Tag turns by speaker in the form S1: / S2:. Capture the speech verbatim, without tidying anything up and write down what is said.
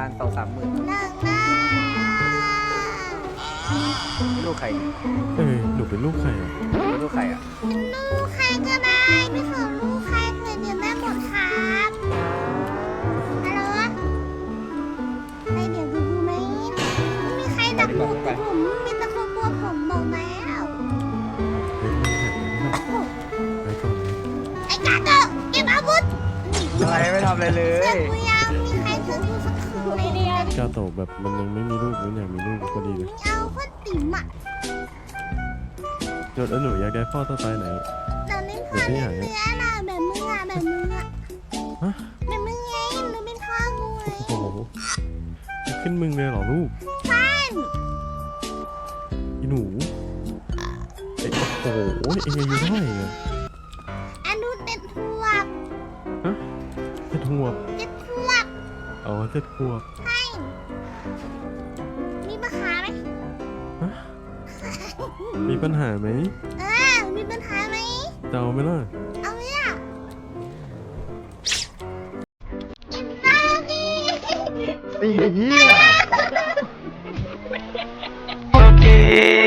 S1: ณสองสามหมื่น
S2: หนึ่งนะ
S1: ลูกใคร
S3: เออหนูเป็นลูกใครอ่ะ
S1: ลูกใครอ่ะ
S2: เป็นลูกใครก็ได้ไม่ขอลูกใครเลยเดี๋ยวแม่หมดครับฮัลโหลไปเดี๋ยวดูดูไหมไม่มีใครดักหนูแต่ผมมีแต่คนกลัวผมบอกแล้ว
S3: เฮ้ยไม่ใช่ไม่ใช่ไปก่อนเลย
S2: ไอ้กาโตะเก็บอาวุธ
S1: อะไรไม่ทำอะไรเล
S2: เพื่อย นกูยังมีใครเพื่อนกูสักคืนไม่ได้
S3: กาโตะแบบมันยังไม่มีลูกมันอยากมีลูกก็ดีเลย
S2: เอาคนติ๋มอ่ะ
S3: จดแล้วหนูอยากได้พ่อสไตล์ไหน
S2: ตอนนี้พ่อเลี้ยงเนื้อน่ะแบบมึงอ่ะแบบมึงอ่ะ
S3: ฮะ
S2: แบบมึงไงมึงเป็นพ่อกูไง
S3: โอ้โหขึ้นมึงเลยเหรอลูก
S2: ใช่
S3: อีหนูเอ้ยโอ้โหเอ็งอายุเท่าไหร่อะ
S2: อันดูเจ็ดขวบ
S3: ฮะเจ็ดขวบ
S2: เจ็ดขวบ
S3: อ๋อเจ็ดขวบ
S2: ใช่มีปัญหาไหม
S3: ฮะมีปัญหาไหม
S2: เออมีปัญหาไหม
S3: จะเอาไหมล่ะ
S2: เอาเนี่ยกินข้าวดิ
S1: ไอ้เหี้ย
S4: Okay.